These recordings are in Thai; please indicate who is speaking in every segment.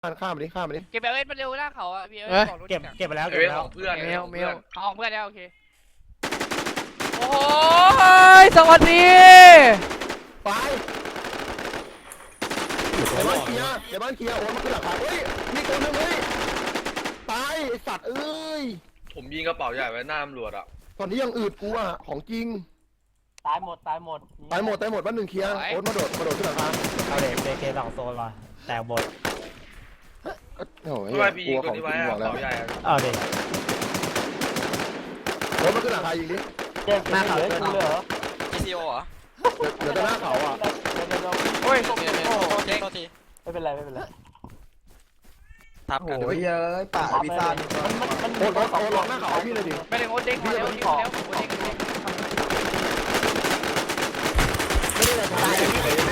Speaker 1: ข้ามไปดิข้ามไปดิ
Speaker 2: เก็บเอสมาเร็วหน้าเขาอ่ะพี่เอสบอกรถ
Speaker 3: เก็บไปแล้ว
Speaker 4: เอ
Speaker 3: เก็บ
Speaker 4: เว
Speaker 3: ไป
Speaker 4: ข
Speaker 3: แล้ว
Speaker 4: องเพื่อน
Speaker 2: เมลเอาของเพื่อนแล้วโอเค
Speaker 5: โอ้ยสวัสดี
Speaker 1: ไปในบ้านเคลียร์ในบ้านเคลียร์โอ้ยมันขึ้นหลังคาเฮ้ยมีตัวนึงเฮ้ยตายไอสัตว์เอ้ย
Speaker 4: ผมยิงกระเป๋าใหญ่ไว้หน้าตำรวจอ่ะ
Speaker 1: ตอนนี้ยังอืดกูอ่ะของจริง
Speaker 3: ตายหมด
Speaker 1: ตายหมดบ้านหนึ่งเคลียร์โอ๊ตมาโดดขึ้นหลังคา
Speaker 3: เอาเด็กเจสองโซนมาแตกหมด
Speaker 1: โอ้ย
Speaker 4: ทำไมพี่
Speaker 1: ก
Speaker 4: ยิ
Speaker 1: ลั
Speaker 4: ง
Speaker 1: ว
Speaker 4: ตั
Speaker 1: ของจ
Speaker 4: วนี้ไว้
Speaker 1: ริง
Speaker 4: ก
Speaker 1: บอก
Speaker 4: ระ
Speaker 1: แล้ว
Speaker 4: เป๋าใหญ่อะ
Speaker 3: เอาเด็ก
Speaker 1: โอ๊ตมาขึ้นหลังคายิงดิ
Speaker 3: หน้าเขาเลยเหรอ
Speaker 5: GCO เหรอ
Speaker 1: เดี๋ยวจะหน้าเขาอ่ะ
Speaker 2: โอ้ย
Speaker 5: เจ๊งที
Speaker 3: ไม่เป็นไร
Speaker 5: ทับกัน
Speaker 6: โอ้ยเย้ยป่าพิซซ่า
Speaker 1: โอ๊ตล็อกหน้าเขาพี่เลยดิ
Speaker 2: ไม่ได้โอ๊ตเด้งมาแล้วโอ๊ตเด้งมาแล้วโอ๊ตเด้ง
Speaker 1: ไม่ได้อะไรตาย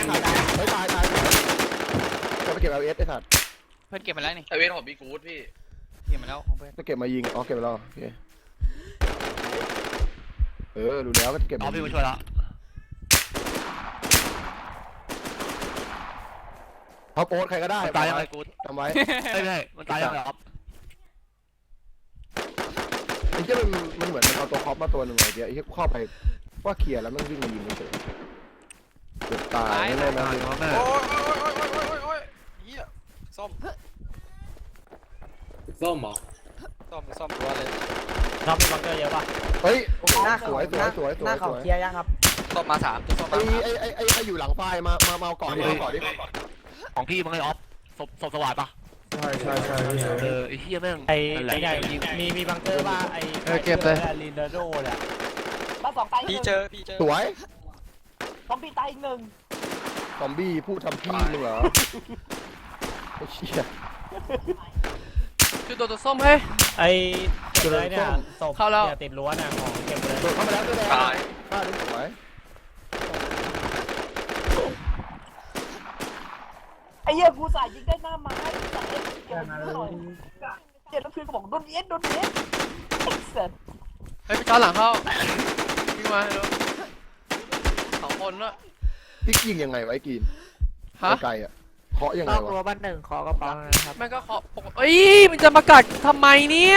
Speaker 1: จะไปเก็บเอาเอสไอ้สัตว์
Speaker 2: เพื่อนเก็บมาแล้วนี่
Speaker 4: ไอเวทของบีกูดพี่
Speaker 2: เก็บมาแล้วของเพื่อน
Speaker 1: จะเก็บมายิงอ๋อเก็บไปแล้วโอเคดูแล้วก็เก็บ
Speaker 3: เอาพี่มาช่วยแล้ว
Speaker 1: เขาโอ๊ตใครก็ได้
Speaker 3: ตายยังไงกู
Speaker 1: จำไว้
Speaker 3: ไม่ใช่มันตายยังไงครับ
Speaker 1: ไอ้เจ้ามันเหมือนมันเอาตัวคอปมาตัวหนึ่งไอ้เจ้าไอ้เจ้าเข้าไปว่าเคลียร์แล้วมันวิ่งมายิงเฉยเกือบตายแน่นะ
Speaker 5: โอ้ยเฮียส้ม
Speaker 6: ส้มเหรอ
Speaker 5: ส้มรัวเลย
Speaker 3: น้องมีบังเกอร์เยอะป่ะ
Speaker 1: เฮ้ยสวย
Speaker 6: หน้าเขาเคลียร์ยังครับ
Speaker 5: ส้มมา3ตัวส้ม
Speaker 1: ไอ้
Speaker 5: มา
Speaker 1: ไอ้อยู่หลังไฟมาเอาก่อนดิก่อนดิ
Speaker 3: ของพี่มันไงออฟศพสว่างป่ะ
Speaker 1: ใช่
Speaker 3: ไอ้เฮียแม่งไอ้ใหญ่มีบังเกอร์ป่ะไอ้ลินเดโดเนี่ย
Speaker 5: พี่เจอ
Speaker 1: สวย
Speaker 3: ซอมบี้ตายอีกหนึ่ง
Speaker 1: ซอมบี้พูดทำพี่มึงเหรอไอ้เชี่ย
Speaker 5: คือตัวส้มเฮ้ย
Speaker 3: ไอ้เก็บเลยเนี่ยศพอย่าติดรั้วนะของเก็บเลย
Speaker 1: โดดเข้ามาแล้วก็แดง
Speaker 4: ตาย
Speaker 1: ฆ่าดิสวย
Speaker 7: ไอ้เหี้ยกูสายยิงได้หน้าไม้สายเอ็นเกี่ยวหน่อยเจ็ดแล้วคือก็บอกโดนเอ็นเสร็จ
Speaker 5: เฮ้ยไปจอหลังเข้าวิ่งมาเร็ว2 คนละ
Speaker 1: พี่ยิงยังไงวะไอ้กีน
Speaker 5: ฮะ
Speaker 1: ไกลอ่ะเคาะยังไง
Speaker 7: ต้อง
Speaker 1: วะ
Speaker 7: รัวบ้านหนึ่งขอกระเป๋านะครับ
Speaker 5: แม่งก็เคาะเอ้ยมันจะมากัดทำไมเนี่ย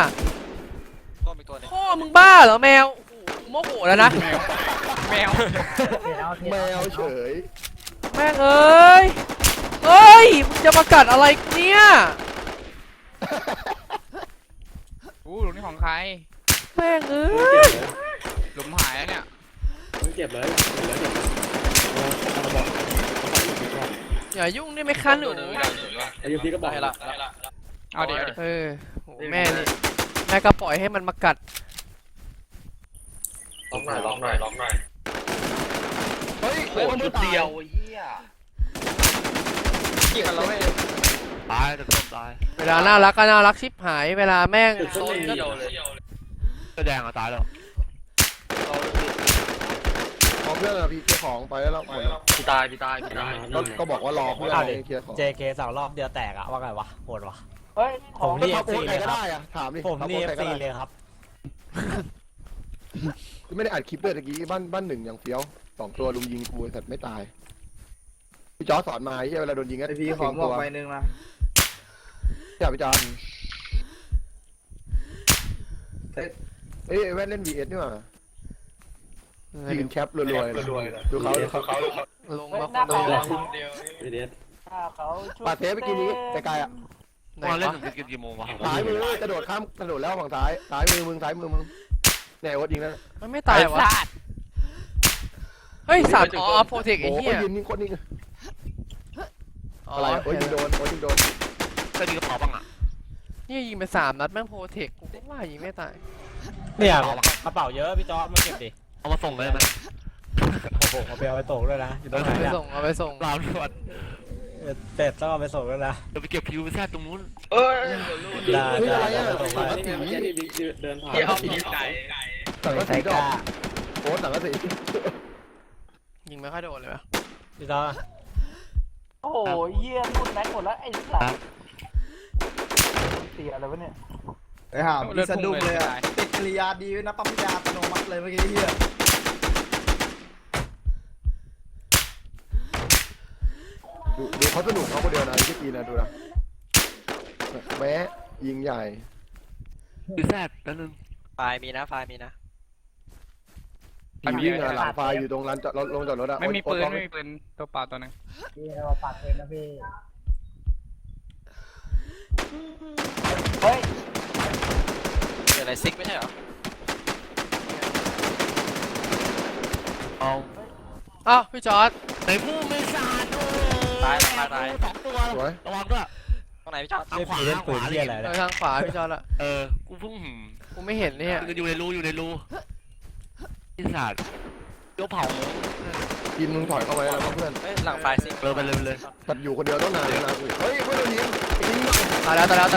Speaker 5: พ่อมึงบ้าเหรอแมวโมโหแล้วนะ
Speaker 2: แมว
Speaker 1: แมวเฉย
Speaker 5: แม่งเอ้ยเฮ้ยมึงจะมากัดอะไรเนี่ย
Speaker 2: อู้หลุมนี่ของใคร
Speaker 5: แม่งเอ้ย
Speaker 2: หลุมหายแล้วเนี่ย
Speaker 6: เก็บเลย
Speaker 5: อย่ายุ่งได้ไหมคะหนู
Speaker 6: ไอ้ยูพี่ก็บอกละ
Speaker 2: เอาเดี๋ยว
Speaker 5: เออโหแม่นี่แม่ก็ปล่อยให้มันมากัด
Speaker 4: ล็อกหน่อย
Speaker 1: เฮ้ย
Speaker 4: โอ้โหจุดเดียวเฮีย
Speaker 2: กี่กันแล้วเว้ย
Speaker 3: ตายแต่ต้มตาย
Speaker 5: เวลาน่ารักก็น่ารักชิบหายเวลาแม่ง
Speaker 4: โซนเดียวเลย
Speaker 3: ก็แดงอ่ะตายแล้ว
Speaker 1: พอเพื่อนอะพี่เคลียร์ของไปแล้วหมดแล้ว
Speaker 4: พี่ตาย
Speaker 1: ก็บอกว่ารอเพื่อนเคลียร์ของ
Speaker 3: JK 2 รอบเดียวแตกอะว่าไงวะโหดวะ
Speaker 7: เฮ้ยข
Speaker 3: ผ
Speaker 7: อง
Speaker 3: ม
Speaker 1: ก็
Speaker 3: นี่
Speaker 1: ทับโอ๊ต
Speaker 3: FC
Speaker 1: ใคร
Speaker 3: เลย
Speaker 1: ก็
Speaker 3: ครับ
Speaker 1: ได้อะถามดิ
Speaker 3: ผมนี่
Speaker 1: ทับโอ๊ตใครก็
Speaker 3: FC
Speaker 1: ได้
Speaker 3: เลยครับ
Speaker 1: ไม่ได้อัดคลิปเลยตะกี้บ้านหนึ่งอย่างเฟี้ยว2 ตัวลุมยิงกูแต่ไม่ตายพี่จอสอนมาไอ้เหี้ยเวลาโดนยิงก็
Speaker 6: ไอพี่ขอบอกไปนึงนะ
Speaker 1: อย่าพี่จอนเอ้ยแว่นเล่น VS นี่หว่ายืนแคปรวยๆเลยดูเขา
Speaker 5: ลง
Speaker 7: เฮ้ย
Speaker 5: มา
Speaker 7: หน้า
Speaker 5: คน
Speaker 7: เขา
Speaker 5: เดียว
Speaker 6: พี่เดช
Speaker 7: หน้าเขา
Speaker 1: ปาเทปไปกินนี้ไกลๆอ่ะ
Speaker 5: ไหน
Speaker 3: มาเล่น
Speaker 5: วะ
Speaker 3: ถึงกี่โมงวะ
Speaker 1: ซ้ายมือกระโดดข้ามกระโดดแล้วฝั่งซ้ายมือมึงเนี่ยโอ๊ตยิงนั่น
Speaker 5: มันไม่ตายวะเฮ้ยสัตว์อ๋อโปรเทคไอ้
Speaker 1: โอ้
Speaker 5: เหี้ย
Speaker 1: ยืนนิ่งโคตรนิ่ง
Speaker 5: อ๋อ
Speaker 1: อะไรโอ้ยยิงโดนโดน
Speaker 3: ก็ดีกระเป๋าบ้างอ่ะ
Speaker 5: นี่ยิงไป3 นัดแม่งโปรเทคกูก็ว่ายิงไม่ตาย
Speaker 3: เนี่ยกระเป๋าเยอะพี่จอมาเก็บดิเอามาส่งเลยมันโอ้โหเอาไปเอาไปส่งด้วยนะอยู่ตรงไหน
Speaker 5: เอาไป
Speaker 3: เนี่ย
Speaker 5: ส่งเอาไปส่ง
Speaker 3: เราด่วนเสร็จต้องเอาไปส่งด้วยนะจะไปเก็บคิวไปแทบตรงนู้น
Speaker 4: เอ้ย
Speaker 3: ได้
Speaker 1: เฮ้ยอะไรอ่ะ
Speaker 3: ส่ง
Speaker 1: สัง
Speaker 3: ไป
Speaker 1: กะสี
Speaker 6: เดินผ่าน
Speaker 4: เดี๋ยวผีไก่
Speaker 1: สังกะสีดอกโอ้สังกะสี
Speaker 5: ยิงไม่ค่อยโดนเลยวะ
Speaker 3: พี่จอ
Speaker 7: โอ้โหเหี้ยรูดแม็กหมดแล้วไอ้สัตว์เสียอะไรวะเนี่ย
Speaker 6: ไปหาพี่สะดุ้งเลยอ่ะติดกริยาดีนะปั๊มยาอัตโนมัติเลยเมื่อกี้เฮีย
Speaker 1: ดูเขาสนุกเขาคนเดียวนะที่กินนะดูนะแม้ยิงใหญ่
Speaker 8: คือแซดนั่นนึง
Speaker 5: ไฟมีนะไฟมีนะ
Speaker 1: ยิงหลังไฟอยู่ตรงร้านจอดรถลงจอดรถอะ
Speaker 2: ไม่มีปืน
Speaker 1: โอ๊ต
Speaker 2: ไม่มีปืนตัวเปล่าตัวหนึง
Speaker 6: พี่เราปัดเลยนะพี่
Speaker 7: เฮ้ย
Speaker 5: เกิดอะไรซิกไม่ใช่เหรอ
Speaker 8: เอา
Speaker 5: อ้าวพี่จอร์ด
Speaker 8: ในผู้ไม่สาด
Speaker 5: ตายตาย
Speaker 8: สองตัว
Speaker 1: สวย
Speaker 8: ระวังด้วย
Speaker 5: ตรงไหนพี่จอร์ด
Speaker 3: เล่นผีเล่นปืนที่อะไร
Speaker 5: เอ
Speaker 3: นะ
Speaker 5: อทางขวาพี่จอร์ดละ
Speaker 8: กูเพิ่ง
Speaker 5: กูไม่เห็นเนี่ย
Speaker 8: อยู่ในรูที่สาดเดี๋ยวเผา
Speaker 1: กินมึงถอยเข้าไปแล้วเพื่อน
Speaker 5: เฮ้ยหลังไฟซิก
Speaker 8: ไปเลย
Speaker 1: ตัดอยู่คนเดียวต้องนานเลยนะเฮ้ยไม่โดนยิงยิง
Speaker 5: ตายแล้ว
Speaker 1: สวย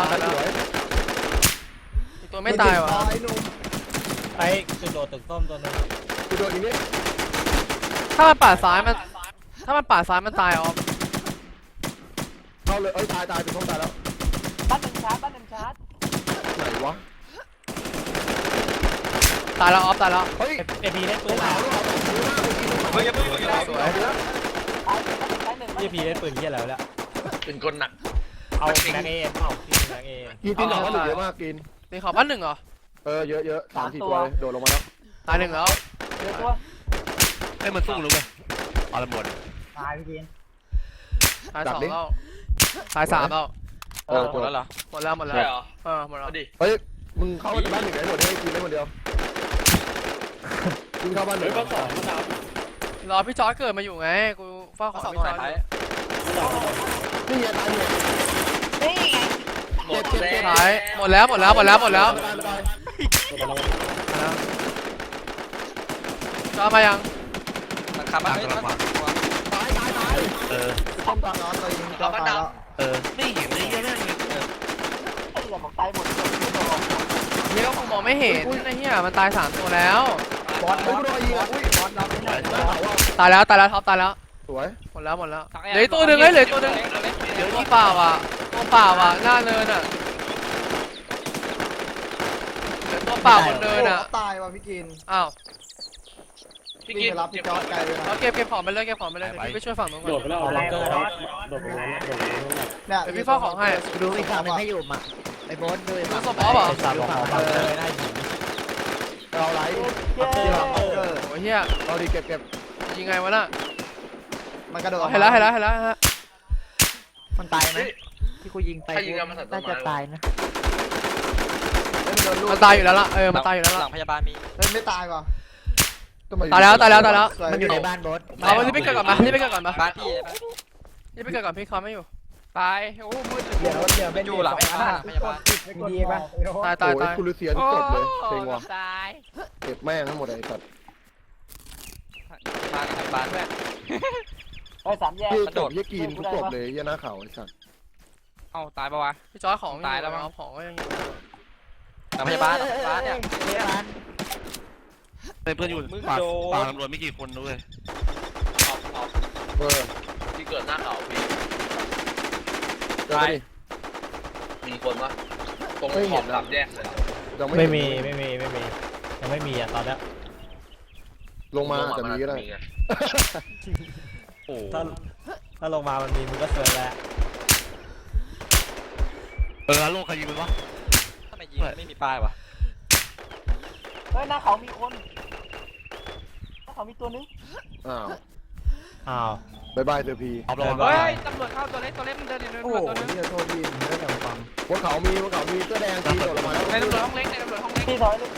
Speaker 5: อีกตัวไม่ตายวะ
Speaker 6: ไอ้หนุ่ม
Speaker 3: ไอ้จุดโดดตึกส้มตัวนึง
Speaker 1: กูโดนอีกนิด
Speaker 5: ถ้ามันป่าดซ้ายมันถ้ามันป่าดซ้ายมันตายออฟ
Speaker 1: เข้าเลยตายเป็นท้องตายแล้ว
Speaker 7: บ้านหนึ่งชาร์จบ้านหนึ่งชาร์จ
Speaker 1: ไหนวะ
Speaker 5: ตายแล้วออฟตายแล้ว
Speaker 1: เฮ้ย
Speaker 3: เอพีเล่นปืน
Speaker 1: ขาวแล้ว
Speaker 5: สวย
Speaker 7: ตายหนึ่งตายหนึ่ง
Speaker 3: เอพีเล่นปืนที่อะไรแล้ว
Speaker 4: เป็นคนหนัก
Speaker 3: เอาแม็กเอ็มเอาพี่แม็กเอ็ม
Speaker 1: กินหนอนเยอะมากกิน
Speaker 5: ตีขอบบ้านหนึ่งเหรอ
Speaker 1: เยอะ3-4ตัวเลยโดดลงมาแล้ว
Speaker 5: ตายหนึ่งแล้ว
Speaker 7: เดี๋ยวตัว
Speaker 8: ให้มันสู้รู้ไหมเอาละหมด
Speaker 6: ตายพี่กิน
Speaker 5: ตายสองแล้วตายสามแล้ว
Speaker 2: หมดแล้วเหรอ
Speaker 5: หมดแล้ว
Speaker 4: ใช่เหรอ
Speaker 5: หมดแล้ว
Speaker 4: เอาดิ
Speaker 1: เฮ้ยมึงเข้าบ้านหนึ่งไหนหมดให้กินได้คนเดียวกินเข้าบ้านหนึ่
Speaker 4: เฮ้
Speaker 1: ง
Speaker 4: ยบ้านสองบ้านสาม
Speaker 5: รอพี่จอร์ดเกิดมาอยู่ไงกูเฝ้าของพี่จอร์ดอยู่
Speaker 1: นี่ไงตายเนี่ย
Speaker 7: นี่ไง
Speaker 4: หมดแล้ว
Speaker 5: ท้ายหมดแล้ว
Speaker 1: ตาย
Speaker 5: จอร์ดมายัง
Speaker 8: ขับมา
Speaker 1: ต้อมตายแล้วตายยิงตายแล้ว
Speaker 8: ไม่เห็นเลยแม่ง
Speaker 7: ไอ้เหี้ยบอกตายหมดเลย
Speaker 5: เฮียก็คงมองไม่เห็นไอ้เฮียมันตายสามตัวแล้ว
Speaker 6: บอสบอสอุ้ยบอสรับไม่ได้
Speaker 5: ตายแล้วท็อปตายแล้ว
Speaker 1: สวย
Speaker 5: หมดแล้วเหลือตัวหนึ่งเหลือตัวหนึ่งเหลือตัวเปล่าอ่ะหน้าเนินอ่ะเหลือตัวเปล่าบนเนินอ่ะ
Speaker 6: ตายว่ะพี่กิน
Speaker 5: อ้าว
Speaker 4: พี่
Speaker 6: วิ่ง
Speaker 4: กิ๊
Speaker 6: ไปรับพี่จอร์ดไกลเลยนะ
Speaker 5: เราเก็บของไปเลยเดี๋ยวพี่ไปช่วยฝั่งนู้นก่อน
Speaker 3: เอาล็อกเกอร์แล้ว
Speaker 6: เนี่ย
Speaker 5: เดี๋ยวพี่เฝ้าของให้
Speaker 6: ดูอีกฝั่งนึงให้อยู่มาไอ้บอสด้วย
Speaker 5: ดูสปอร์ตเหรอ
Speaker 3: ไอ้สัตว์ของบังเลยได้หิน
Speaker 1: เราไหล
Speaker 7: เย้
Speaker 5: โอ้ยเฮีย
Speaker 1: เราดีเก็บ
Speaker 5: ยิงไงวะน่ะ
Speaker 6: มันกระโดด
Speaker 5: เห็นแล้วฮะ
Speaker 6: มันตายไหมที่กูยิงไป
Speaker 4: ใครยิงกันมาสัตว์ต้นไม้
Speaker 5: มันตายอยู่แล้วล่ะมันตายอยู่แล้วล่ะ
Speaker 2: หลังพยาบาลมี
Speaker 6: เฮ้ยไม่ตายว่ะ
Speaker 5: ตายแล้ว
Speaker 6: มันอยู่ในบ้านบอส
Speaker 5: เอารีบไปเกิดก่อนมา
Speaker 2: บ้านพี่เลยปะ
Speaker 5: รีบไปเกิดก่อนพี่เขาไม่อยู่
Speaker 2: ตายโอ้มืด
Speaker 6: เดี๋ยวเป็น
Speaker 2: อยู่หลังพยาบาล
Speaker 6: ดีป่ะ
Speaker 5: ตาย
Speaker 1: โอ้ยคุณลูเซียที่จบเลยเซ็งว่ะ
Speaker 2: ตาย
Speaker 1: เก็บแม่งทั้งหมดไอ้สัตว์
Speaker 2: บ้านพยาบาลด้วย
Speaker 7: ไอ้สามแยก
Speaker 1: พี่จบยี่กินทุกจบเลยยี่หน้าเขาไอ้สัตว์
Speaker 2: เอ้าตายปะวะ
Speaker 5: พี่จอยของ
Speaker 2: ตายแล้วมั้ง
Speaker 5: เอาของก็ยังอยู่
Speaker 2: หลังพยาบาลเนี่ย
Speaker 8: เพื่อนอยู่ปากตำรวจไม่กี่คนด้วย
Speaker 4: ที่เกิดหน้าเขาพี่
Speaker 1: เจอดิ
Speaker 4: มีคนปะตรงขอบสามแยกเลย
Speaker 1: ยัง
Speaker 3: ไม่
Speaker 1: เห็น
Speaker 3: มียังไม่มีอ่ะตอนนี้
Speaker 1: ลงมาจะมีก็ได้
Speaker 4: ไง
Speaker 8: โอ้
Speaker 3: ถ้าลงมามันมีมึงก็เสือแล้ว
Speaker 8: แล้วโลกใครยิงมันวะ
Speaker 2: ทำไมยิงไม่มีป้ายวะ
Speaker 7: เฮ้ยหน้าเขามีคนหน้าเขามีตัวนึง
Speaker 3: อ้าว
Speaker 1: บายบายเซอร์พี
Speaker 8: เอาลง
Speaker 2: เฮ้ยตำรวจเข้าตัวเล็กมันเดินอยู่
Speaker 6: โอ้
Speaker 2: ตัวนึง
Speaker 6: โหโทษทีไม่ได้แต่ฟัง
Speaker 1: บนเขามีเสื้อแดงที่โดดลงมาแล้ว
Speaker 2: ในตำรวจห้องเล็ก
Speaker 7: พี่ถอยเลย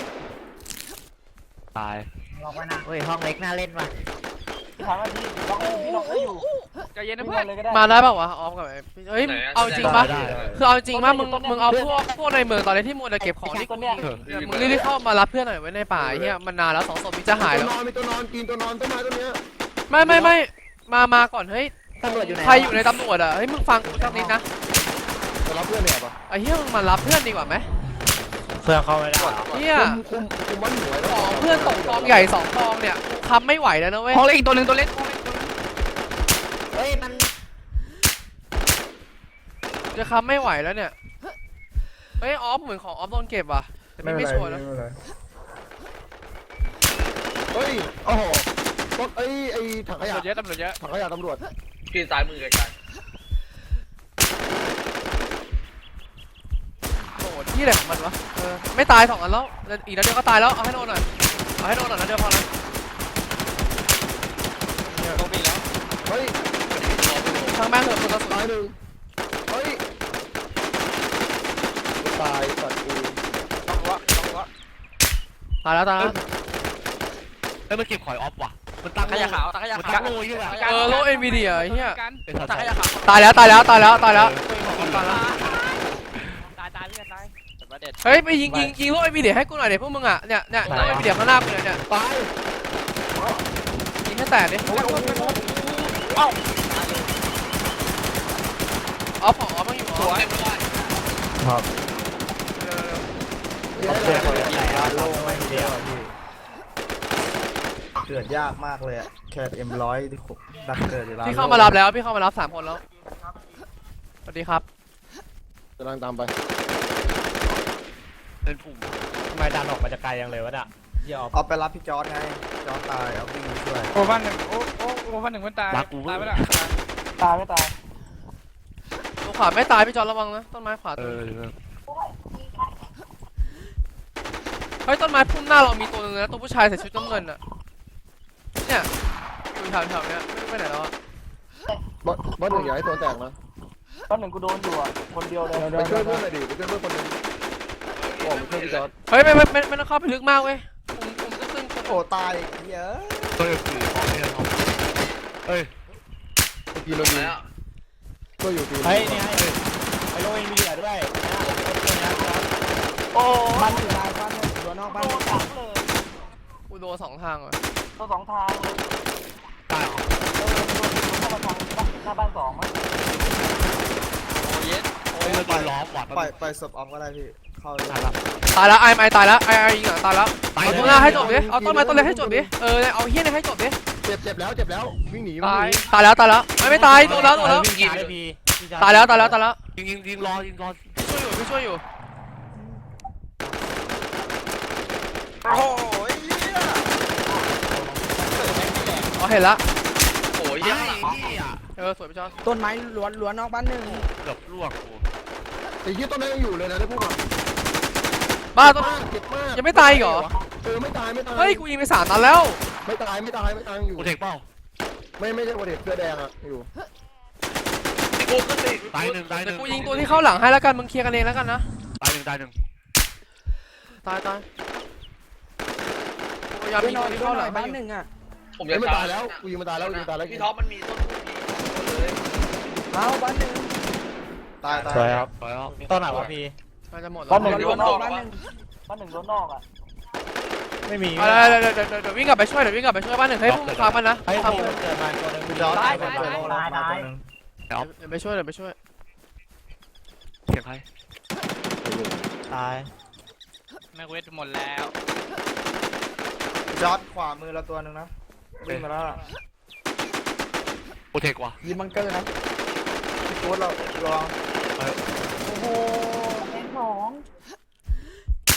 Speaker 8: ตาย
Speaker 6: เฮ้ยห้องเล็กน่าเล่นว่ะ
Speaker 7: พี่ถอยมาพี่ล็อกให้อยู่
Speaker 2: ใจเย็นนะ
Speaker 7: พี่
Speaker 2: เพื่อน
Speaker 7: เลยก็ได้
Speaker 5: มาได้ป่าวะออฟกับเฮ้ยเอาจริงปะคือเอาจริงปะมึงเอาพวกในเมืองตอนนี้ที่มัวแต่เก็บของที่มึงรีบเข้ามารับเพื่อนหน่อยไว้ในป่าเฮียมันนานแล้ว2 ศพมีจะหายแล้ว
Speaker 1: มีตัวนอนกินตัวนอนต้นไม้ต้นเนี้ย
Speaker 5: ไม่มาก่อนเฮ้ย
Speaker 6: ตำรวจอยู่ไหน
Speaker 5: ใครอยู่ในตำรวจอ่ะเฮ้ยมึงฟังกูสักนิดนะ
Speaker 1: จะรับเพื่อนเนี่ยปะ
Speaker 5: ไอ้เฮียมึงมารับเพื่อนดีกว่าไหม
Speaker 3: เพื่อนเข้าไม่ได้
Speaker 5: เฮีย
Speaker 1: คุมบ้านหน่วย
Speaker 5: ของเพื่อนตกกองใหญ่2 กองเนี่ยกูค้ำไม่ไหวแล้วนะเว้ย
Speaker 2: ห้องเล็กอีกตัวนึงตัวเล็ก
Speaker 6: เฮ้ยมัน
Speaker 5: จะค้ำไม่ไหวแล้วเนี่ยเฮ้ยออฟเหมือนของออฟโดนเก็บว่ะแต่ไม่ชัวร์นะ
Speaker 1: เฮ้ยโอ้โหรถไอ้ถังข
Speaker 2: ตำร
Speaker 1: ยะ
Speaker 2: วจเยอะตำรวจเยอะ
Speaker 1: ถังขยะตำรวจ
Speaker 4: พี่ซ้ายมือไกล
Speaker 5: ที่ไหนของมันวะไม่ตาย2 อันแล้วอีกนัดเดียวก็ตายแล้วเอาให้โดนหน่อยนัดเดียวพอนะ
Speaker 2: โดนปีแล้ว
Speaker 1: เฮ้ย
Speaker 5: ทางแม่งเถอะคนละสุด
Speaker 1: ตายหนึ่งเฮ้ยตายสัตว์กู
Speaker 2: ต้องรู้ว่า
Speaker 5: ตายแล้ว
Speaker 8: เอ้ยมันเก็บข่อยออฟว่ะมันตั้ง
Speaker 2: ขยะขาวตาขยะ
Speaker 8: มัน
Speaker 2: ขา
Speaker 8: ตั้
Speaker 2: ว
Speaker 8: งโลยด้วยอ่ะ
Speaker 5: โลเอ็นวีเดียไอ้เหี้ย
Speaker 2: ตาขยะขาว
Speaker 5: ตายแล้วตายแล้ว
Speaker 2: ตายเพื่อนตายแต่ประเด็น
Speaker 5: เฮ้ยไปยิงโลเอ็นวีเดียให้กูหน่อยเดี๋ยวพวกมึงอ่ะเนี่ยโลเอ็นวีเดียข้างหน้ากูเนี่ย
Speaker 1: ตาย
Speaker 5: ยิงให้แตกดิอ๋อผอมันอยู่
Speaker 4: สวยไม่ได้
Speaker 6: โลงไม่เดียวพี่เกิดยากมากเลยอะแค่M100ที่ดักเกิดอยู่แล้ว
Speaker 5: พี่เข้ามารับแล้วพี่เข้ามารับ3 คนแล้วสวัสดีครับ
Speaker 1: กำลังตามไป
Speaker 8: เป็นปุ่ม
Speaker 3: ทำไมดันออกมาจากไกลยังเลยวะน่ะเหี้ยออฟ
Speaker 6: เอาไปรับพี่จอร์ดไงจอร์ดตายเอาวิ่งมาช่วย
Speaker 2: โอ้บ้านหนึ่งโอ้บ้านหนึ่งมันตาย
Speaker 8: รักกู
Speaker 2: ตายไปแล้ว
Speaker 7: ตายไม่ตาย
Speaker 5: ตัวขวาไม่ตายพี่จอนระวังนะต้นไม้ขวา
Speaker 8: เอ
Speaker 5: ตัว
Speaker 8: อ
Speaker 5: เฮ้ยต้นไม้พุ่มหน้าเรามีตัวนึงนะตัวผู้ชายใส่ชุดน้ำเงินอ่ะเนี่ยอยู่แถวๆเนี้ยไม่รู้ไปไหนแล้วอ่ะ
Speaker 1: บอสหนึ่งอย่าให้โซนแตกนะ
Speaker 7: ตอนหนึ่งกูโดนอยู่อ่ะคนเดียวเลย
Speaker 1: ไปช่วยเพื่อนหน่อยดิไปช่วยเพื่อนคนหนึงออกไปช่วยพี่จอร์ด
Speaker 5: เฮ้ยไม่ต้องเข้าไปลึกมากเว้ยผมจะขึ้น
Speaker 6: โอ้ตายเยอะ
Speaker 8: เฮ้ยคือของเนี่ยครับเฮ้ย
Speaker 1: ทีเราอยู่
Speaker 4: แล้ว
Speaker 1: ก็อยู่ที
Speaker 3: เฮ้ยนี่ให้ไปโลเอ็นวีเดียด้วย
Speaker 7: โอ้
Speaker 6: บ้านอยู่ในบ้านเนี่ยตัวนอกบ้าน
Speaker 7: โดนขังเลย
Speaker 5: กูโดน2 ทางว่ะ
Speaker 7: ตัว2 ทางเลย
Speaker 8: ตายเหรอ
Speaker 7: โดนเข้ามาทางหน้าบ้าน2มั้ง
Speaker 2: โอ้เย็น
Speaker 8: เฮ้ยมันโดนล้อมว่ะ
Speaker 6: ปล่อยศพออมก็ได้พี่เข้าเลย
Speaker 5: ตายแล้วไอตายแล้วไอยิงอ่ะตายแล้วเอาตัวหน้าให้จบดิเอาต้นไม้ต้นเล็กให้จบดิเอาเฮี้ยนี่ให้จบดิ
Speaker 1: เจ็บแล้ววิ่งหนี
Speaker 5: ตายแล้วไม่ตายโดนแล้ว
Speaker 3: วิ่งหนีได้พี่
Speaker 5: ตายแล้ว
Speaker 8: ยิงรอ
Speaker 5: พี่ช่วยอยู่
Speaker 6: โอ้ย
Speaker 5: อ๋อเห็นละ
Speaker 4: โอ้ย
Speaker 8: เฮ้
Speaker 4: ยั
Speaker 8: ย
Speaker 4: ง
Speaker 8: นี่อ่ะ
Speaker 5: สวยพี่จอน
Speaker 6: ต้นไม้ล้วนนอกบ้านหนึ่ง
Speaker 8: เกือบล่วงกู
Speaker 1: ไอ้ยี่ต้นนั้นยังอยู่เลยนะได้พูดก่อน
Speaker 5: บ้าต้น
Speaker 1: เจ็บมาก
Speaker 5: ยังไม่ตายอีกเหรอ
Speaker 1: ไม่ตาย
Speaker 5: เฮ้ยกูยิงไป3 นัดแล้ว
Speaker 1: ไม่ตายอยู่
Speaker 8: กูเทคเป้า
Speaker 1: ไม่ใช่โอเดตเสื้อแดงอ่ะอยู่
Speaker 4: กูขึ้นไป
Speaker 8: ตายหนึ่ง
Speaker 5: เดี๋ยวกูยิงตัวที่เข้าหลังให้แล้วกันมึงเคลียร์กันเองแล้วกันนะ
Speaker 8: ตายหนึ่ง
Speaker 5: ตายพยายามยิงตัวที่เข้าหลังให้อยู่
Speaker 4: ผม
Speaker 1: ยั
Speaker 4: ยัง
Speaker 1: ไม่ตายแล้วกูยิงมาตายแล้ว
Speaker 4: พี่ท็อปมันมีต้นเลย
Speaker 6: เอาบ้านหนึ่งตาย
Speaker 3: สวยครับ
Speaker 8: ตายแล้ว
Speaker 3: ต้นไหนวะพี่
Speaker 5: มันจะหมด
Speaker 7: บ้านห
Speaker 5: แล้
Speaker 7: นึ่
Speaker 5: ว
Speaker 7: งโดนนอกบ้านหนึ่งโดนนอกอ่ะ
Speaker 3: ไม่มี
Speaker 5: เดี๋ยววิ่งกลับไปช่วยบ้านหนึ่งให้พวกมึงฟังมันนะ
Speaker 3: ไอ้
Speaker 5: ฟัง
Speaker 3: ผม
Speaker 5: มัน
Speaker 3: เกิดมาตัวนึง
Speaker 6: พี่จอร์ดตายตัวนึง
Speaker 5: เดี๋ยวไปช่วย
Speaker 8: เสียงใคร
Speaker 3: ตาย
Speaker 2: แม็กเวทหมดแล้ว
Speaker 6: พี่จอร์ดขวามือเราตัวนึงนะวิ่งมาแล้ว
Speaker 8: กูเทคว่ะ
Speaker 6: ยิงบังเกอร์นะพี่โค้ดเราลอง
Speaker 7: โอ้โหเอ็น2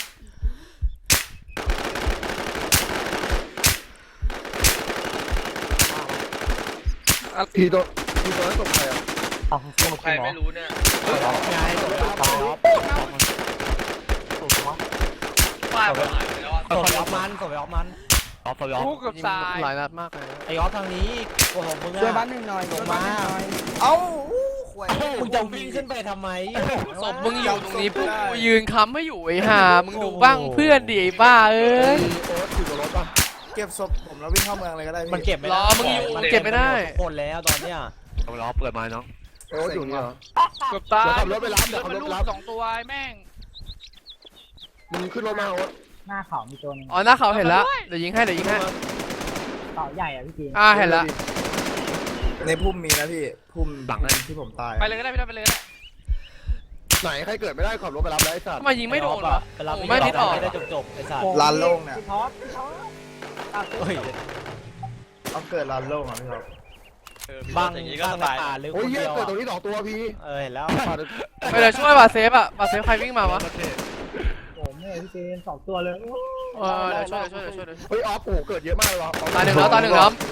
Speaker 1: ทีตัวนั้นตกใครอ่ะ
Speaker 4: ใครไม่รู้เนี่ย
Speaker 3: ไงสวยออฟ
Speaker 4: ป้ายมันหายไปแล้วอ่ะ
Speaker 3: สวยออฟมัน
Speaker 8: ออฟสวิออฟ
Speaker 2: กูเกือบตาย
Speaker 5: หลายนัดมากเลย
Speaker 3: ไอ้ออฟทางนี้โอ้โหมึง
Speaker 6: ช่วยบ้านหนึ่งหน่อยลงมาเอ้าขวย
Speaker 3: มึงจะวิ่งขึ้นไปทำไม
Speaker 5: ศพมึงอยู่ตรงนี้พวกกูยืนค้ำไม่อยู่ไอ้ห่ามึงดูบ้างเพื่อนดิไอ้บ้าเอ้ย
Speaker 1: โอ๊ตอยู่กับรถป่ะ
Speaker 6: เก็บศพผมแล้ววิ่งเข้าเมืองเลยก็ได้พี่
Speaker 3: มันเก็บไม่ได้
Speaker 5: รอมึงอยู่เก็บไม่ได้
Speaker 3: ทุกคนแล้วตอนเนี้ย
Speaker 8: สวิออฟเปิดไม้น้อง
Speaker 1: โอ๊ตอยู่นี่เหรอ
Speaker 2: เกือบตาย
Speaker 1: เดี๋ยวขับรถไปรับเดี๋ยวขับรถไปรับ
Speaker 2: 2 ตัวไอ้แม่ง
Speaker 1: มึงขึ้นรถมาโอ๊ต
Speaker 6: หน้าเขามีตัวนึง
Speaker 5: อ๋อหน้าเขาเห็นแล้วเดี๋ยวยิงให้
Speaker 6: เต่าใหญ่อ่ะพี่จีน
Speaker 5: เห็นแล้ว
Speaker 6: ในพุ่มมีนะพี่พุ่มที่ผมตาย
Speaker 2: ไปเลยก็ได้พี่ท็อปไปเลยก็ได้
Speaker 1: ไหนใครเกิดไม่ได้ขับรถไปรับแล้วไอ้สัตว์
Speaker 5: ทำไมยิงไม่โดนวะ
Speaker 3: ไปรับ
Speaker 5: ไม่นิดออก
Speaker 3: ไม่ได้จบไอ้สัตว์
Speaker 6: ลานโล่งเนี่ย
Speaker 7: พี่ท็อป
Speaker 3: เฮ้ย
Speaker 6: เอาเกิดลานโล่งอ่ะพี่ครับ
Speaker 3: บ้าง
Speaker 2: อย่างนี้ก็
Speaker 3: บ้าง
Speaker 2: ส
Speaker 3: ใน
Speaker 2: บาย
Speaker 3: ป่าหรือค
Speaker 1: โอ้ย
Speaker 3: น
Speaker 1: เหี้ย
Speaker 3: เดียว
Speaker 1: เกิดตรงนี้2 ตัวพี่
Speaker 3: เห็นแล้ว
Speaker 5: ไปเดี๋ยวช่วยบาเซฟใครวิ่งมาวะ
Speaker 6: โอ้แม่พี่จีน2 ตัวเลย
Speaker 5: เดี๋ยวช่วย
Speaker 1: เฮ้ยออฟโอ้เกิดเยอะมากเลยวะ
Speaker 5: ตาย1แล้วตาย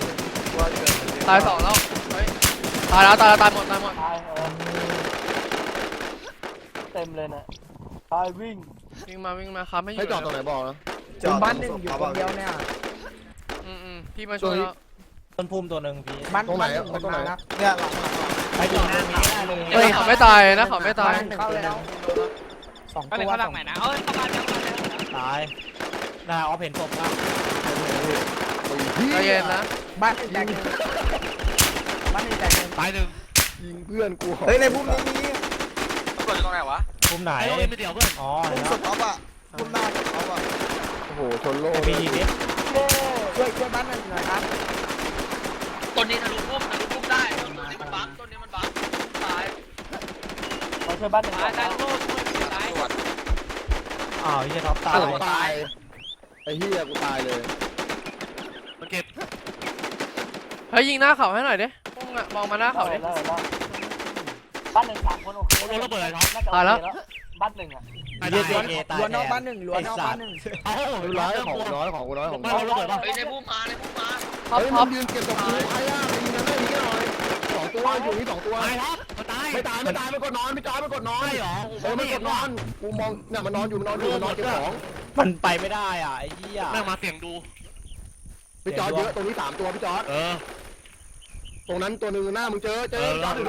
Speaker 5: 2แล้วเฮ้ยตายหมด
Speaker 7: ตายเต็มเลยเนี่ยตายวิ่ง
Speaker 5: วิ่งมาครับไม่อยู่
Speaker 1: ให้จอดตรงไหนบอกนะ
Speaker 6: จอดบ้านหนึ่งอยู่คนเดียวเนี่ย
Speaker 5: พี่มาช่วยแล้ว
Speaker 3: ต้นพุ่มตัวหนึ่งพี่
Speaker 6: บ้าน
Speaker 1: ตรงไหน
Speaker 6: บ้า
Speaker 1: เอาตรงไหน
Speaker 6: นะเนี่ยหลัง
Speaker 3: ไปอยู่ตรงนี้ได้เลย
Speaker 5: เฮ้ยเขาไม่ตายนะเขาไม่ตาย
Speaker 6: เข้าแล้วสอง
Speaker 2: ก็
Speaker 6: ตั
Speaker 2: เลยว เข้าหลังใหม่นะเอ้ยเข้ามาเดี๋ยวเข้ามาเดี๋ยว
Speaker 3: ตายได้ออฟเห็นศพครับ
Speaker 5: ใจเย็นนะ
Speaker 6: บ้านหนึ่งแตกหนึ่งบ้านหนึ่งแตกหนึ่ง
Speaker 8: ตายหนึ่ง
Speaker 1: ยิงเพื่อนกู
Speaker 6: เฮ้ยในพุ่มนี้มี
Speaker 4: ตำรวจอยู่ตรงไหนวะ
Speaker 3: พุ่มไหน
Speaker 8: ไอ้โรงเรียนไปเดี่ยวเพื่อน
Speaker 3: อ๋อ
Speaker 6: พุ่
Speaker 3: เห็
Speaker 6: ม
Speaker 3: น
Speaker 6: ส
Speaker 3: แล้ว
Speaker 6: ต็อปอ่ะพุ่มหน้าสต็อปอ่ะ
Speaker 1: โอ้โหชนโล่
Speaker 3: มียิงดิ
Speaker 6: ช่วยบ้านหนึ่งหน่อยครับ
Speaker 4: ต้นนี้ทะลุพุ่มได้ต้นนี้มันบั๊กต้นนี้มันบั๊กตาย
Speaker 7: มาช่วยบ้านหนึ่ง
Speaker 2: ตายตายโลดตาย
Speaker 4: ตำรวจ
Speaker 3: อ้าวยี่ท็อปตาย
Speaker 1: ตายไอ้เหี้ยกูตายเลย
Speaker 8: มันเก็บ
Speaker 5: เฮ้ยยิงหน้าเขาให้หน่อยดิพุ่งอะมองมาหน้าเขาดิ
Speaker 7: แล้วบ้านหนึ่ง3 คนโอเค
Speaker 8: โดนระเบิดอะไรท็อป
Speaker 7: น่าจะโอเคแล้วบ้านหนึ่งอ่ะ
Speaker 3: เยี่ยมตาย
Speaker 6: ล้วนนอกบ้านหนึ่งล้วนนอกบ้านหนึ่ง
Speaker 8: เอ้า
Speaker 1: ไม่ร้ายของน้อยของกูน้อยของ
Speaker 8: บ้าน
Speaker 1: น้อย
Speaker 8: เราระเบิดป่ะ
Speaker 4: เฮ้ยในพุ่มมา
Speaker 5: ท็อป
Speaker 1: เฮ้ย
Speaker 5: ท็
Speaker 1: มั
Speaker 5: อน ป
Speaker 1: ยืนเก็บกับกูใครอ่ะไปยิงกันได้ยิงกันหน่อยสองตัวอยู่นี่สองตัว
Speaker 8: ตายท็อปมันตาย
Speaker 1: ไม่ตายไม่กดนอนไม่ตายไม่กดนอน
Speaker 8: ใช่เหรอ
Speaker 1: ไม่กดนอนกูมองเนี่ยมันนอนอยู่มันนอนเก็บของ
Speaker 3: มันไปไม่ได้อ่ะไอ้เหี้ย
Speaker 8: แม่งมาเสี่ยงดู
Speaker 1: พี่จอร์ดเยอะตรงนี้3ตัวพี่จอร์ด
Speaker 8: เออ
Speaker 1: ตรงนั้นตัวนึงหน้ามึงเจอจอร์ดหรือโล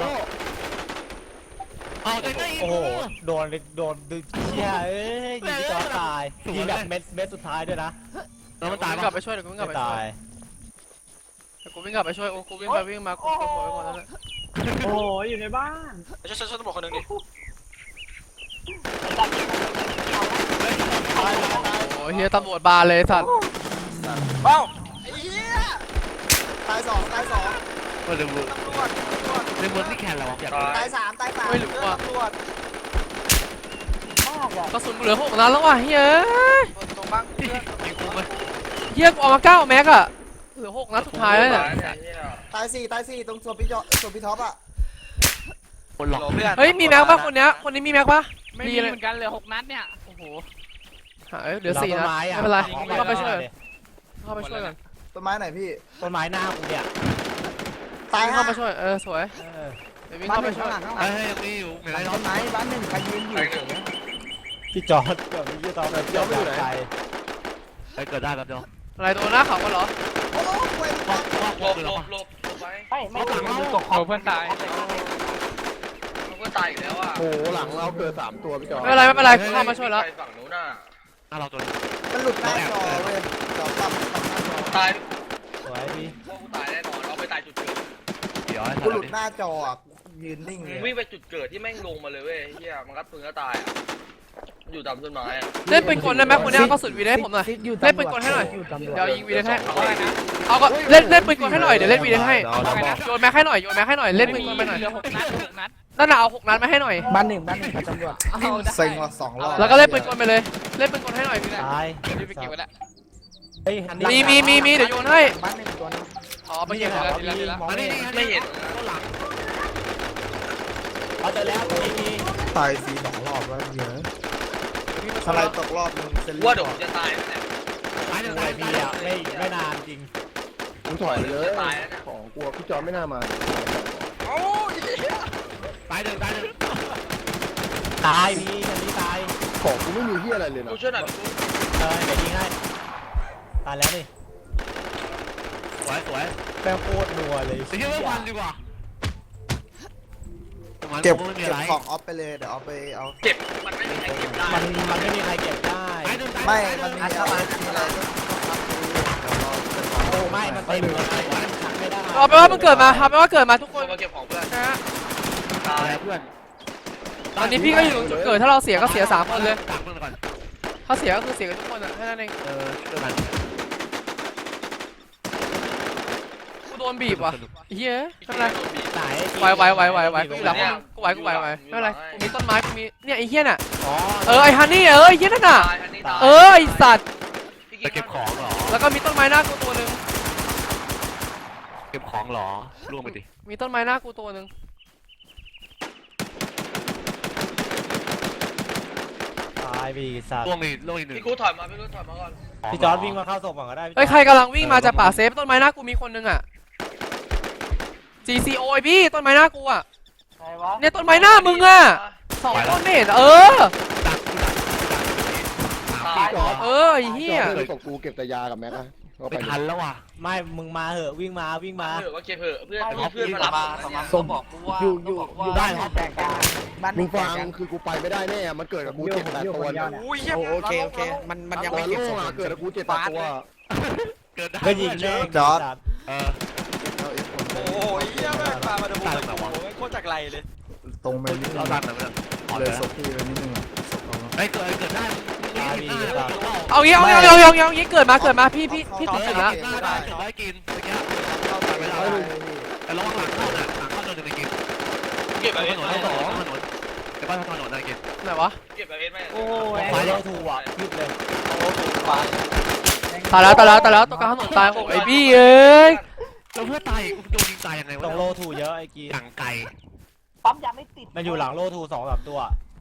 Speaker 8: เอาใจได้
Speaker 3: โอ้โหโดนดึงเหี้ยเอ้ยยิงพี่จอตายยิงแบบเม็ดสุดท้ายด้วยนะ
Speaker 8: แล้วมันตาย
Speaker 5: วิ่งกลับไปช่วยเดี๋ยวกูวิ่งกลับ
Speaker 3: ไม่
Speaker 5: ไปช่ว
Speaker 3: ตาย ย
Speaker 5: เดี๋ยวกูวิ่งกลับไปช่วยโอ้กูวิ่งไปวิ่งมากูโผล่ไปหมดแล้ว
Speaker 6: โอ้ยอยู่ในบ้าน
Speaker 4: ช่วยตำรวจคนหนึ่งดิ
Speaker 5: โอ้เฮียตำรวจบานเลยสัตว์
Speaker 6: เอ้าไอ้เหี้ยตายสองตายสอง
Speaker 8: ก็เลยมือ
Speaker 6: ตำรวจ
Speaker 8: ในเมืองที่แคนเราอยาก
Speaker 6: ตายสามตายสาม
Speaker 5: ไม่รู้ว่ะ
Speaker 6: ตำรวจ
Speaker 7: มากอ่ะ
Speaker 5: กระสุนกูเหลือ6 นัดแล้วว่ะเฮ้ย
Speaker 6: ตรงบ้านเพื่อน
Speaker 8: ยิงกูไหม
Speaker 5: เฮียกูเอามา9 แม็กอะเหลือ6 นัดสุดท้ายแล้วเนี่ย
Speaker 6: ตายสี่ตรงส่วนพี่ท็อปอ่ะ
Speaker 8: คนหลอก
Speaker 5: เฮ้ยมีแม็กป่ะคนนี้มีแม็กป่ะ
Speaker 2: ไม่มีเหมือนกันเหลือ6 นัดเนี่ยโอ้โห
Speaker 5: เหลือ4 นัดไม่เป็นไรเข้าไปช่วยเข้าไปช่วยกัน
Speaker 6: ต้นไม้ไหนพี่
Speaker 3: ต้นไม้หน้ากูเนี่ย
Speaker 6: ตาย
Speaker 5: เข้าไปช่วยสวย
Speaker 3: เออ
Speaker 5: เดี๋ยววิ่ง
Speaker 6: บ้าน
Speaker 5: เข้า
Speaker 6: ห
Speaker 5: ไป
Speaker 6: นึ่ง
Speaker 5: ช่ว
Speaker 6: ข้าย งหลังข้างหลั
Speaker 8: เฮ้
Speaker 6: ง
Speaker 8: ยยังมีอยู่เหมือนไร
Speaker 6: ต้
Speaker 8: ท็อป
Speaker 6: นไม้บ้านหนึ่งใครยืนอยู่เฉย
Speaker 3: พี่จอร์ดกับพี่จอร์ดแบบเจ้าอยู่ไหน
Speaker 8: ไปเกิดได้แป๊บเดียว
Speaker 5: อะไรตัวหน้าเขากันเหรอ
Speaker 6: โอ้โหเว้ย
Speaker 4: หลบไว้
Speaker 7: ไม่ตก
Speaker 2: โอ้เพื่อนตาย
Speaker 4: เพื่อนตายอีกแล้วอ่ะ
Speaker 1: โอ้โหหลังเราเกิด3ตัวพี่จอร์ด
Speaker 5: ไม่เป็นไรกูเข้ามาช่วยแล้ว
Speaker 4: ฝั่งนู้นน่ะ
Speaker 8: หน้าเราตัว
Speaker 6: มันหลุดหน้าจอเว้ยจอปั๊มหน้าจอ
Speaker 4: ตาย
Speaker 3: สวยพี่
Speaker 4: พวกกูตายแน่นอนเราไปตายจุดเกิด
Speaker 8: เดี๋ยวให้
Speaker 6: กูหลุดหน้าจออ่ะยืนนิ่งเลย
Speaker 4: วิ่งไปจุดเกิดที่แม่งลงมาเลยเว้ยเฮียมันกัดปืนก็ตายอ่ะอยู่ตามต้นไม้อ่ะ
Speaker 5: เล่นปืนกลได้ไหมคนนี้เอากระสุนวีให้ผมหน่อยเล่นปืนกลให้หน่อยเดี๋ยวยิงวีให้เอาก็เล่นปืนกลให้หน่อยเดี๋ยวเล่นวีให้โยนแม็กให้หน่อยเล่นปืนกลไปหน่อย
Speaker 2: เหลือ6 นัด6 นัด
Speaker 5: นั่นน่ะเอา6 นัดมาให้หน่อย
Speaker 6: บ้านหนึ่งกับตำรวจเซ็งว่ะ2 รอบ
Speaker 5: แล้วก็เล่นปืนกลไปเลยเล่นปืนกลให้หน่อย
Speaker 3: ตาย
Speaker 2: รีบไปเก็บไว้แล้ว
Speaker 3: เฮ้ยฮันนี่
Speaker 5: มีเดี๋ยวโยนให้
Speaker 6: บ้านหนึ่งตัวนึง
Speaker 5: อ๋อไปเก็บแล้วดีแล้ว
Speaker 8: อันนี้
Speaker 4: ไม่เห็น
Speaker 8: ต้นหลัง
Speaker 3: เอาแต่แล้วไม่มี
Speaker 6: ตายฟรี2 รอบแล้วเยอะทลายตกรอบนึงเซน
Speaker 4: ว่าเดี๋ยวผมจะตายแล้วเนี่ย
Speaker 8: ตายหนึ่ง
Speaker 3: ไม่
Speaker 8: ตาย
Speaker 3: มีอ่ะไม่นานจริง
Speaker 1: มึงถอยเลยของกลัวพี่จอร์ดไม่น่ามา
Speaker 8: ตายหนึ่ง
Speaker 3: ตายพี่ฮันนี่ตาย
Speaker 1: ของกูไม่มีเหี้ยอะไรเลยนะ
Speaker 4: กูช่วยหน่อย
Speaker 3: เดี๋ยวยิงให้ตายแล้วนี่
Speaker 8: สวย
Speaker 3: แป้งโคตรนัวเลย
Speaker 8: ไปเที่ยววันดีกว่า
Speaker 6: เก็บ
Speaker 8: ไม่มีอะไร
Speaker 6: ของออฟไปเลยเดี๋ยวเอาไปเอา
Speaker 4: เก็บมันไม่มีใครเก็บได้
Speaker 3: มันไม่มีใครเก็บได้
Speaker 8: ตายหนึ่ง
Speaker 6: ไม่ มันมีอะไรก็
Speaker 3: โอ้ไม่มันเต็มเลยขังไม่ได้
Speaker 5: เอาไปว่ามันเกิดมาทำไปว่าเกิดมาทุกคน
Speaker 4: มาเก็บของเพื่อน
Speaker 5: นะ
Speaker 4: ตาย
Speaker 8: เพื่อน
Speaker 5: ตอนนี้พี่ก็อยู่จุดเกิดถ้าเราเสียก็เสีย3 คนเลย
Speaker 8: ต่างเพื่อนก่อน
Speaker 5: ถ้าเสียก็คือเสียกันทุกคนอ่ะแค่นั้นเอง
Speaker 8: ช่วยกัน
Speaker 5: กูโดนบีบว่ะเฮ้ยไม่เป็นไร
Speaker 3: ไหน
Speaker 5: ไหวกูอยู่หลังกูไหวไม่เป็นไรกูมีต้นไม้กูมีเนี่ยไอ้เหี้ยน่ะ
Speaker 3: อ๋อ
Speaker 5: ไอ้ฮันนี่ไอ้เหี้ยนั่นน่ะ
Speaker 4: ตายอันนี้ตาย
Speaker 5: ไอ้สัตว์
Speaker 8: ไปเก็บของเหรอ
Speaker 5: แล้วก็มีต้นไม้หน้ากูตัวนึง
Speaker 8: เก็บของเหรอล่วงไปดิ
Speaker 5: มีต้นไม้หน้ากูตัวนึง
Speaker 3: ตายพี่สัตว์
Speaker 8: ล่วงอีกหนึ่ง
Speaker 4: พี่กูถอยมาพี่กูถอยมาก่อน
Speaker 3: พี่จอร์ดวิ่งมาเข้าศพก่อนก็ได้
Speaker 5: เฮ้ยใครกำลังวิ่งมาจากป่าเซฟต้นไม้หน้ากูมีคนนึงอ่ะ GCO ไอพี่ต้นไม้หน้ากูอ่ะ
Speaker 7: ใครวะ
Speaker 5: เนี่ยต้นไม้หน้ามึงอ่ะ2 ต้นไม่เห็น
Speaker 8: ต่างกูต่าง
Speaker 5: เออไอ้เหี้ย
Speaker 1: เพื่อนตกกูเก็บแต่ยากับแม็กอะเอาไป
Speaker 8: ไม่ทันแล้วว่ะ
Speaker 3: ไม่มึงมาเหอะวิ่งมา
Speaker 4: เผื่อว่าเก็บเผื่อเพื่อนเพื่อนมารับ
Speaker 6: ส่งบอกกูว่าอยู่บ้านแตกกันบ้าน
Speaker 1: มึง
Speaker 6: แต
Speaker 1: ฟั
Speaker 6: ก
Speaker 1: ง
Speaker 6: กัน
Speaker 1: คือกูไปไม่ได้แน่มันเกิดกับกู7-8ตัวเนี่ย
Speaker 6: โอเคมันยังไม่เก็บส่ง
Speaker 1: เกิดกับกู7-8ตัว
Speaker 8: เกิดได้
Speaker 3: ก็ยิงแม่ง
Speaker 6: จอร์จ
Speaker 8: เออ
Speaker 9: โอ้ยเหี้ยแม่งพามาดูเลยโอ้โหโคตรจากไรเลย
Speaker 6: ตรงไปนิดนึ
Speaker 8: เรา
Speaker 6: ง
Speaker 8: ดันหน่อยมั้ยอ๋อ
Speaker 6: เล
Speaker 8: เลย ย
Speaker 6: ศพพี่ไปนิดนึงศพเรา
Speaker 8: เฮ้ยเกิดได้
Speaker 5: เอางี้เกิดมาพี่ติดถึงละ
Speaker 8: เกิดได้กินเมื่อกี้เวลาแต่ระวังหลังเข้าน่ะหลังเข้าจะไปกิน
Speaker 4: เก็บ
Speaker 8: ถ
Speaker 4: แบบ
Speaker 8: นนถนนแต่ว่าถนนอะไรกิน
Speaker 5: ไหนวะ
Speaker 4: เก็บแบบไหม
Speaker 3: โอ้ยไฟโลทูอ่ะยึดเลย
Speaker 5: ตายแล้วตัวกลางถนนตายโอ้ไอ้บี้เอ้ย
Speaker 8: เราเพื่อตายโดนยิงตายยังไง
Speaker 3: ตร
Speaker 8: วะ
Speaker 3: งโลทูเยอะไอ้กี
Speaker 8: หลังไก่
Speaker 7: ปั๊มยางไม่ติด
Speaker 3: มันอยู่หลังโลทู2-3ตัว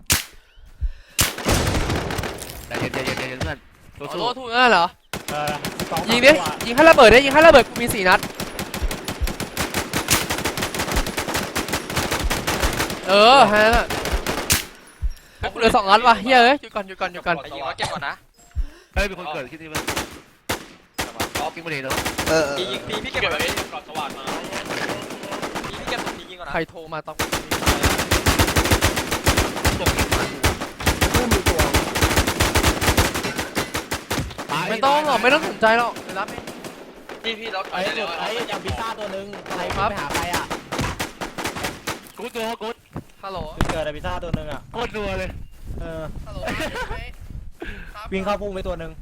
Speaker 8: แต่เย็นเพื่อน
Speaker 5: โลทูนั่นเหรอ
Speaker 3: เออ
Speaker 5: ยิงดิยิงให้ระเบิดดิยิงให้ระเบิดกูมี4 นัดแค่นั้นอ่ะกูเหลือ2 นัดว่ะเฮ้ยหยุดก่อน
Speaker 9: ไอ้ยิงว่าเก็บก่อนนะ
Speaker 8: เฮ้ยมีคนเกิดที่นี่มั้ยกินมาดีเนาะ
Speaker 9: ยิงพี่เก็บ
Speaker 4: เก็บ
Speaker 9: แบ
Speaker 4: แบบ บนี้ก่อนสว่านมา
Speaker 9: พี่เก็บพี่ยิงก่อนนะ
Speaker 5: ใครโทรมาต้อง ไม่ต้องสนใจหรอกไปรับเอง
Speaker 4: พี่เรา
Speaker 3: ไอ้จุดไอ้ยังพิซซ่าตัวนึงใครไปหาใครอ่ะ
Speaker 8: กูด
Speaker 5: ฮัลโหล
Speaker 3: จุดเกิดไอ้พิซซ่าตัวนึงอ่ะ
Speaker 8: โคตรนัวเลย
Speaker 3: เออ
Speaker 5: ฮัลโหล
Speaker 3: วิ่งเข้าพุ่งไปตัวนึง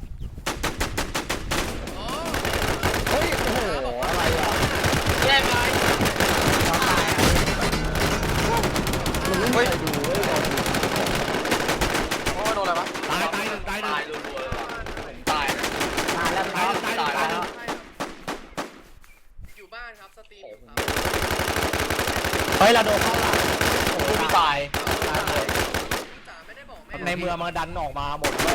Speaker 1: เฮ้ยโอ้โหอะไรอ่ะ
Speaker 4: แย่ไป
Speaker 1: มันไม่มีใครดูเว้ย
Speaker 9: โอ้โดนอะไรวะ
Speaker 8: ตาย
Speaker 4: ตายรัวๆเลยตายนะ
Speaker 3: ตายแล้วตายแล้ว
Speaker 5: อยู่บ้านครับสตรีมครับ
Speaker 3: เฮ้ยเราโดนเข้าหลังโอ้ยตาย
Speaker 5: จ๋าไม่ได้บอกแม่
Speaker 3: ในเมืองมันดันออกมาหมดเว้ย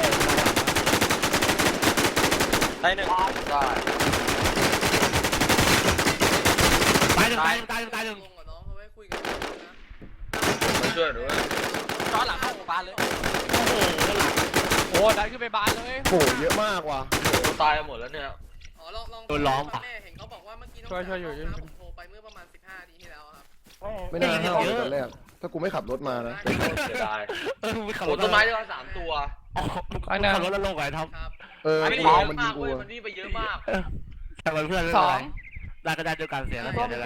Speaker 9: ได้หนึ่งได้
Speaker 8: ตายหนึ่ง
Speaker 5: ลงกับน้องเขาไว้คุยกันนะ
Speaker 4: มาช่วยด้วย
Speaker 9: จอหลังเข้าหมู่บ้านเลย
Speaker 2: โอ้ดันขึ้นไปบานเลย
Speaker 1: โหเยอะมากว่ะ
Speaker 4: ตายหมดแล้วเนี่ย
Speaker 5: อ๋อลองแม่เห็นเขาบอกว่าเมื่อกี้น้องผมโทรไปเมื่อประมาณ15 นาทีที่แล้วครับ
Speaker 1: ไม่น่าห้าวเลยตอนแรกถ้ากูไม่ขับรถมานะ
Speaker 4: เสียดาย
Speaker 8: ไม่ขับ
Speaker 4: โอ้
Speaker 8: รถ
Speaker 4: ต้นไม้ได้มา3 ตัว
Speaker 8: ขับรถแล้วลงไงท็อป
Speaker 5: ครับ
Speaker 4: มัน
Speaker 1: กู
Speaker 4: เยอะ
Speaker 1: มันยิ
Speaker 4: มาง ก
Speaker 1: กู
Speaker 4: เว้ยมันนี่ไปเยอะมาก
Speaker 8: แต่เพื่อน
Speaker 2: 2
Speaker 8: ได้ก็ได้ด้วยกันเสียแล้วเสียได้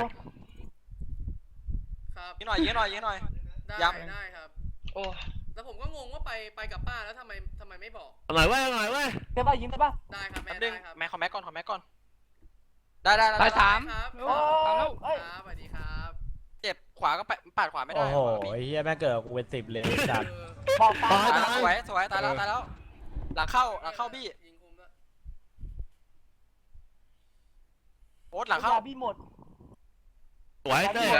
Speaker 5: ครับ
Speaker 9: ยิงหน่อย
Speaker 5: ได้ครับ
Speaker 4: โอ้
Speaker 5: แล้วผมก็งงว่าไปกับป้าแล้วทำไมไม่บอก
Speaker 8: หน่อยเว้ย
Speaker 7: ได้ป่ะยิงได้ป่ะ
Speaker 5: ได้ครับแม่
Speaker 9: แป๊บนึ
Speaker 5: ได้
Speaker 9: ง
Speaker 5: ครับ
Speaker 9: แม็กขอแม็กก่อนได้
Speaker 2: ตาย3
Speaker 5: ครับ
Speaker 7: โอ้
Speaker 5: ครับ
Speaker 7: ย
Speaker 5: สวัสดีครับ
Speaker 9: เจ็บขวาก็ปาดขวาไม่ได้
Speaker 3: โอ้โหไอ้เหี้ยแม่งเกิดกูเป็น10เลยจัด
Speaker 7: บอกตา
Speaker 9: ตายแล้วสวยตายแล้วหลังเข้าบี้
Speaker 5: ยิงคุมแล้ว
Speaker 9: โอ๊ตหลังเข้า
Speaker 7: พี่หมด
Speaker 8: สวยเต้